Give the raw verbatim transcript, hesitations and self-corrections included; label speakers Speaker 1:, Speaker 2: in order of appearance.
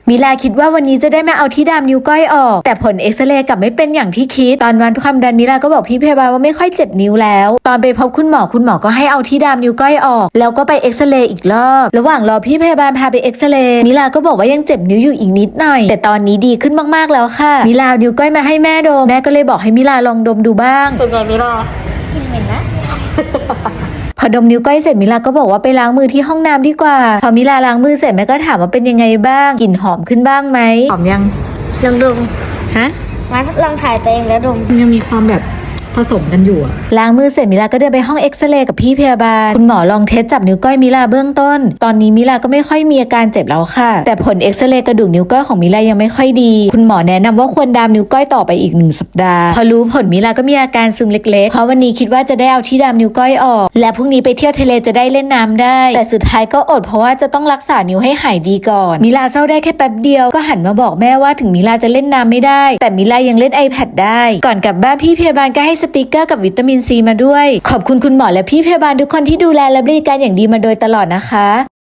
Speaker 1: มิลาคิดว่าวันนี้จะได้มาเอาที่ดามนิ้วก้อยออกแต่ผลเอ็กซเรย์กลับไม่เป็นอย่างที่คิดตอนวัดความดันมิลาก็บอกพี่พยาบาลว่าไม่ค่อยเจ็บนิ้วแล้วตอนไปพบคุณหมอคุณหมอก็ให้เอาที่ดามนิ้วก้อยออกแล้วก็ไปเอ็กซเรย์อีกรอบระหว่างรอพี่พยาบาลพาไปเอ็กซเรย์มิลาก็บอกว่ายังเจ็บนิ้วอยู่อีกนิดหน่อยแต่ตอนนี้ดีขึ้นมากๆแล้วค่ะมิลาเอานิ้วก้อยมาให้แม่ดมแม่ก็เลยบอกให้มิลาลองดมดูบ้าง
Speaker 2: เป็นไงมิลา
Speaker 3: กินเหม็นนะ
Speaker 1: พอดมนิ้วก้อยเสร็จมิลาก็บอกว่าไปล้างมือที่ห้องน้ำดีกว่าพอมิลาล้างมือเสร็จแม่ก็ถามว่าเป็นยังไงบ้างกลิ่นหอมขึ้นบ้างไหมหอมยัง
Speaker 3: ลองดม
Speaker 1: ฮะ
Speaker 3: มาลองถ่ายตัวเองแล้วดม
Speaker 2: ยังมีความแบบผสมกันอยู่อะ
Speaker 1: ล้างมือเสร็จมิลาก็เดินไปห้องเอ็กซเรย์กับพี่พยาบาลคุณหมอลองเทสจับนิ้วก้อยมิลาเบื้องต้นตอนนี้มิลาก็ไม่ค่อยมีอาการเจ็บแล้วค่ะแต่ผลเอ็กซเรย์กระดูกนิ้วก้อยของมิลายังไม่ค่อยดีคุณหมอแนะนำว่าควรดามนิ้วก้อยต่อไปอีกหนึ่งสัปดาห์พอรู้ผลมิลาก็มีอาการซึมเล็กๆเพราะวันนี้คิดว่าจะได้เอาที่ดามนิ้วก้อยออกและพรุ่งนี้ไปเที่ยวทะเลจะได้เล่นน้ำได้แต่สุดท้ายก็อดเพราะว่าจะต้องรักษานิ้วให้หายดีก่อนมิลาเศร้าได้แค่แป๊บเดียวก็หันมาบอกแม่ว่าถึงมิลาจะเล่นน้ำไม่ได้แต่มิลายังเล่น iPad ได้ก่อนกลับบ้านพี่พยาบาลก็ให้สติกเกอร์กับวิตามินซีมาด้วยขอบคุณคุณหมอและพี่พยาบาลทุกคนที่ดูแลและบริการอย่างดีมาโดยตลอดนะคะ